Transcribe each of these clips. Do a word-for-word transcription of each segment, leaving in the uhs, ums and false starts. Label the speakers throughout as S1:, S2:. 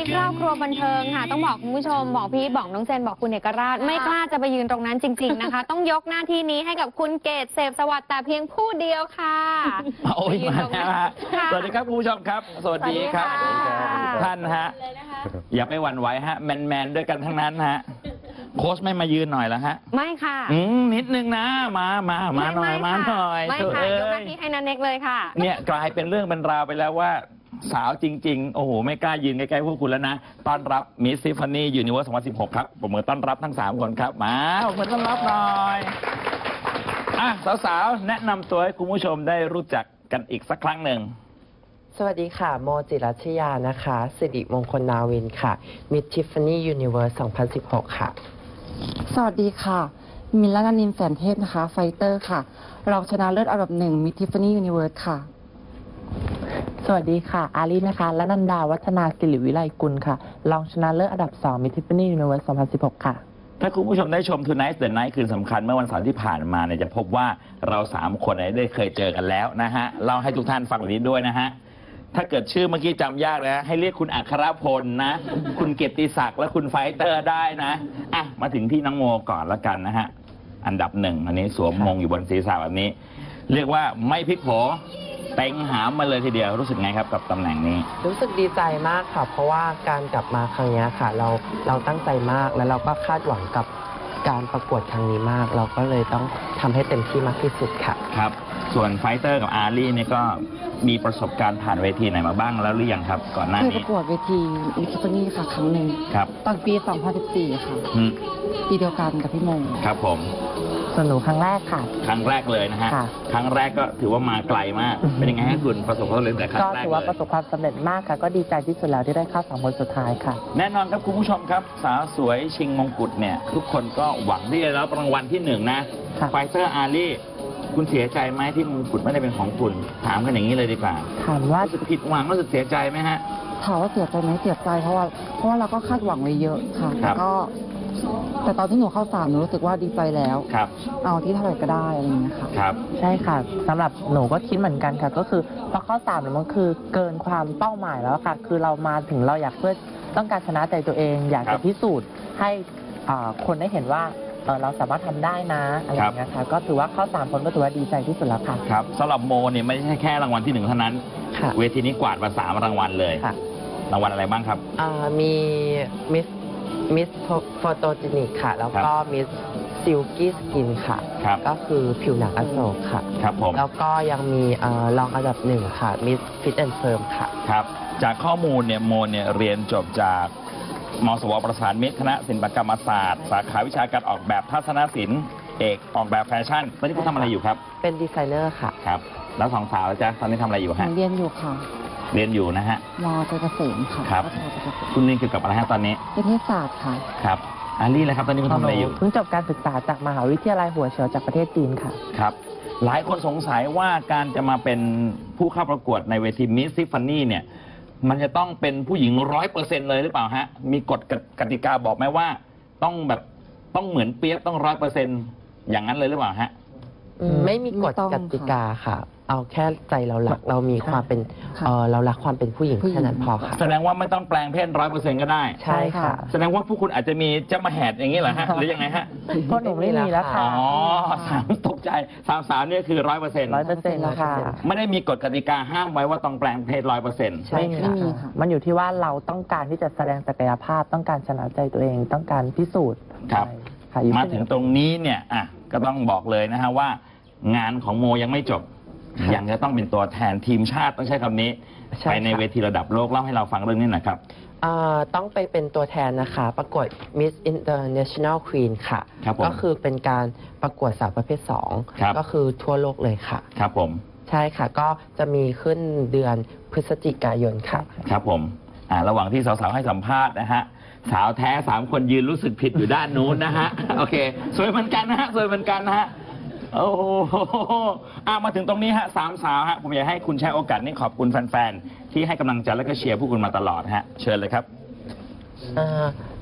S1: ครอบครัวบันเทิงค่ะต้องบอกคุณผู้ชมบอกพี่บอกน้องเจนบอกคุณเอกราชไม่กล้าจะไปยืนตรงนั้นจริงๆนะคะต้องยกหน้าที่นี้ให้กับคุณเกศเสพสวัสดิ์แต่เพียงผู้เดียวค่ะ
S2: โอ้ยมาแล้วฮะสวัสดีครับคุณผู้ชมครับสวัสดีครับท่านฮะอย่าไปหวั่นไหวฮะแมนแมนด้วยกันทั้งนั้นฮะโค้ชไม่มายืนหน่อยแล้วฮะ
S1: ไม่ค่ะ
S2: อืมนิดนึงนะมามามาหน่อยมาหน่อย
S1: ไม่ค่ะยกหน้าที่ให้นันเน็กเลยค่ะ
S2: เนี่ยกลายเป็นเรื่องเป็นราวไปแล้วว่าสาวจริงๆโอ้โหไม่กล้ายืนใกล้ๆพวกคุณแล้วนะต้อนรับมิสซิฟานี่ยูนิเวิร์สสองพันสิบหกครับผมมือต้อนรับทั้งสามคนครับมาผมมือต้อนรับหน่อยอ่ะสาวๆแนะนำตัวให้คุณผู้ชมได้รู้จักกันอีกสักครั้งหนึ่ง
S3: สวัสดีค่ะโมจิรัชยานะคะสิริมงคลนาวินค่ะ Miss Tiffany Universe สองพันสิบหกค่ะ
S4: สวัสดีค่ะมิลลานานินแสนเทพนะคะไฟเตอร์ค่ะรองชนะเลิศอันดับหนึ่ง Miss Tiffany Universe ค่ะ
S3: สวัสดีค่ะอาลีนะคะและนันดาวัฒนาศิริวิไลกุลค่ะรองชนะเลิศอันดับสอง Miss Tiffany Universe สองพันสิบหกค่ะ
S2: ถ้าคุณผู้ชมได้ชม Tonight the Night คืนสำคัญเมื่อวันเสาร์ที่ผ่านมาเนี่ยจะพบว่าเราสามคนได้เคยเจอกันแล้วนะฮะเล่าให้ทุกท่านฟังแบบนี้ด้วยนะฮะถ้าเกิดชื่อเมื่อกี้จำยากนะให้เรียกคุณอัครพลนะคุณเกียรติศักดิ์และคุณไฟเตอร์ได้นะอ่ะมาถึงที่น้องโมก่อนละกันนะฮะอันดับหนึ่งอันนี้สวมมงอยู่บนศีรษะแบบนี้เรียกว่าไม่พลิกโผเต็งหามมาเลยทีเดียวรู้สึกไงครับกับตำแหน่งนี้
S3: รู้สึกดีใจมากค่ะเพราะว่าการกลับมาครั้งนี้ค่ะเราเราตั้งใจมากแล้วเราก็คาดหวังกับการประกวดครั้งนี้มากเราก็เลยต้องทำให้เต็มที่มากที่สุดค่ะ
S2: ครับส่วนไฟเตอร์กับอารีเนี่ยก็มีประสบการณ์ผ่านเวทีไหนมาบ้างแล้วหรือยังครับก่อนหน้านี้
S4: เคยประกวดเวทีมิสซิฟานี่ค่ะครั้งหนึ่ง
S2: ครับ
S4: ตอนปีสองพันสิบสี่ค่ะปีเดียวกันกับพี่มง
S2: ครับผม
S3: สนุกครั้งแรกค่ะ
S2: ครั้งแรกเลยนะฮะครั้งแรกก็ถือว่ามาไกลมากเป็นยังไงให้คุณประสบความสำเร็จแต่ครั้งแรก
S3: ก็ถือว่าประสบความสำเร็จมากค่ะก็ดีใจที่สุดแล้วที่ได้เข้าสองคนสุดท้ายค่ะ
S2: แน่นอนครับคุณผู้ชมครับสาวสวยชิงมงกุฎเนี่ยทุกคนก็หวังที่จะรับรางวัลที่หนึ่งนะไฟเตอร์อารีคุณเสียใจไหมที่มงกุฎไม่ได้เป็นของคุณถามกันอย่างนี้เลยดีกว่า
S3: ถามว่า
S2: รู้สึกผิดหวังรู้สึกเสียใจไหมฮะ
S4: ถามว่าเสียใจไหมเสียใจเพราะว่าเพราะว่าเราก็คาดหวังไว้เยอะค่ะแต่ก็แต่ตอนที่หนูเข้าสามหนูรู้สึกว่าดีใจแล้ว
S2: ครับ
S4: เอาที่เท่าไหร่ก็ได้อะไรอย่างเงี้ยค่ะ
S2: ครับ
S3: ใช่ค่ะสำหรับหนูก็คิดเหมือนกันค่ะก็คือพอเข้าสามมันคือเกินความเป้าหมายแล้วค่ะคือเรามาถึงเราอยากเพื่อต้องการชนะใจตัวเองอยากจะพิสูจน์ให้คนได้เห็นว่าเราสามารถทำได้นะอะไรอย่างเงี้ยค่ะก็ถือว่าเข้าสามคนก็ถือว่าดีใจที่สุดแล้วค่ะ
S2: ครับสำหรับโมเนี่ยไม่ใช่แค่รางวัลที่หนึ่งเท่านั้นเวทีนี้กวาดมาสามรางวัลเลยรางวัลอะไรบ้างครับ
S3: มีมิสมิสโฟโตจินิกค่ะแล้วก็มิสซิลกี้สกินค่ะก็คือผิวหนังอโศกค่ะ
S2: ครับผม
S3: แล้วก็ยังมีรองอันดับหนึ่งค่ะมิสฟิตแอนด์เฟิร์มค่ะ
S2: ครับจากข้อมูลเนี่ยโมเนี่ยเรียนจบจากมสวประสานมิตรคณะศิลปกรรมศาสตร์สาขาวิชาการออกแบบทัศนศิลป์เอกออกแบบแฟชั่นตอนนี้คุณทำอะไรอยู่ครับ
S3: เป็นดีไซเนอร์ค่ะ
S2: ครับแล้วสองสาวจ๊ะตอนนี้ทำอะไรอยู่ฮะ
S4: เรียนอยู่ค่ะ
S2: เรียนอยู่นะฮะ
S4: ม.เกษมค่ะ
S2: ครับคุณเรียนเกี่ยวกับอะไรฮะตอนนี้
S4: นิเทศศาสตร์ค่ะ
S2: ครับอารีเลยครับตอนนี้คุณทำอะไรอยู่
S3: เพิ่งจบการศึกษาจากมหาวิทยาลัยหัวเฉียวจากประเทศจีนค่ะ
S2: ครับหลายคนสงสัยว่าการจะมาเป็นผู้เข้าประกวดในเวทีมิสซิฟานี่เนี่ยมันจะต้องเป็นผู้หญิงร้อยเปอร์เซ็นต์เลยหรือเปล่าฮะมีกฎกติกาบอกไหมว่าต้องแบบต้องเหมือนเปียกต้องร้อยเปอร์เซ็นต์อย่างนั้นเลยหรือเปล่าฮะ
S3: ไม่มีกฎกติกาค่ะเอาแค่ใจเรารักเรามีความเป็นเออเรารักความเป็นผู้หญิงแค่นั้นพอค่ะ
S2: แสดงว่าไม่ต้องแปลงเพศร้อยเปอร์เซ็นต์ก็ได้
S3: ใช่ค่ะ
S2: แสดงว่าพวกคุณอาจจะมีเจ้ามาแหดอย่างนี้เหรอฮะหรือยังไงฮะ
S3: พวกหนูไม่มีแล้วค่ะ
S2: อ๋อสามตกใจสามสามนี่คือร้อยเปอร์เซ็นต์
S3: ร้อยเปอร์เซ็นต์แล้วค่ะ
S2: ไม่ได้มีกฎกติกาห้ามไว้ว่าต้องแปลงเพศร้อยเปอร์เซ็นต์
S3: ใช่ค่ะมันอยู่ที่ว่าเราต้องการที่จะแสดงศักยภาพต้องการชนะใจตัวเองต้องการพิสูจน์
S2: ครับมาถึงตรงนี้เนี่ยอ่ะก็ต้องบอกเลยนะฮะว่างานของโมยังไม่จบยังจะต้องเป็นตัวแทนทีมชาติต้องใช้คำนี้ไปในเวทีระดับโลกเล่าให้เราฟังเรื่องนี้หน่อยครับ
S3: ต้องไปเป็นตัวแทนนะคะประกวด Miss International Queen ค่ะก็คือเป็นการประกวดสาวประเภทสองก็คือทั่วโลกเลยค่ะ
S2: ครับผม
S3: ใช่ค่ะก็จะมีขึ้นเดือนพฤศจิกายนค่ะ
S2: ครับผมอ่าระหว่างที่สาวๆให้สัมภาษณ์นะฮะสาวแท้สามคนยืนรู้สึกผิดอยู่ด้านนู้นนะฮะโอเคสวยเหมือนกันนะฮะสวยเหมือนกันนะฮะโอ้โหอ่ะมาถึงตรงนี้ฮะสามสาวฮะผมอยากให้คุณใช้โอกาสนี้ขอบคุณแฟนๆที่ให้กำลังใจและก็เชียร์พวกคุณมาตลอดฮะเชิญเลยครับ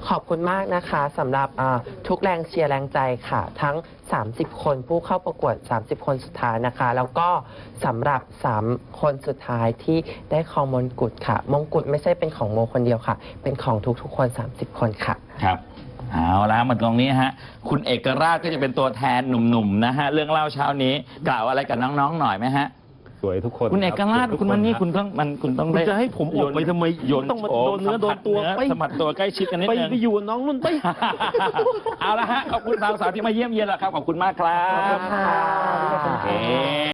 S5: ขอบคุณมากนะคะสำหรับอ่าทุกแรงเชียร์แรงใจค่ะ ทั้ง สามสิบ คนผู้เข้าประกวด สามสิบ คนสุดท้ายนะคะ แล้วก็สำหรับ สาม คนสุดท้ายที่ได้ครองมงกุฎค่ะ มงกุฎไม่ใช่เป็นของโมคนเดียวค่ะ เป็นของทุกๆคน สามสิบ คนค่ะ
S2: ครับเอาละมาตรงนี้ฮะคุณเอกราชก็จะเป็นตัวแทนหนุ่มๆนะฮะเรื่องเล่าเช้านี้กล่าวอะไรกับน้องๆหน่อยไหมฮะ
S6: สวยทุกคน
S2: คุณเอกราช
S6: รับ
S2: คุณมันนี่
S6: ทุก
S2: คุณต้องมันคุณต้อง
S6: คุณ
S2: ได้
S6: จะให้ผมออกไปทำไม
S2: โยน
S6: ต้องมา
S2: โฉ
S6: โดนเนื้อโดนตัว
S2: สัมผัส
S6: ไป
S2: เนื้อสัมผัสตัวใกล้ชิดกันนิด
S6: ไป
S2: นึง
S6: ไปอยู่กับน้องนุ่นไป
S2: เอาละฮะขอบคุณสาวๆที่มาเยี่ยมเยียนแล้วครับขอบคุณมากครับ
S5: ขอบคุณค่ะ
S2: โอเค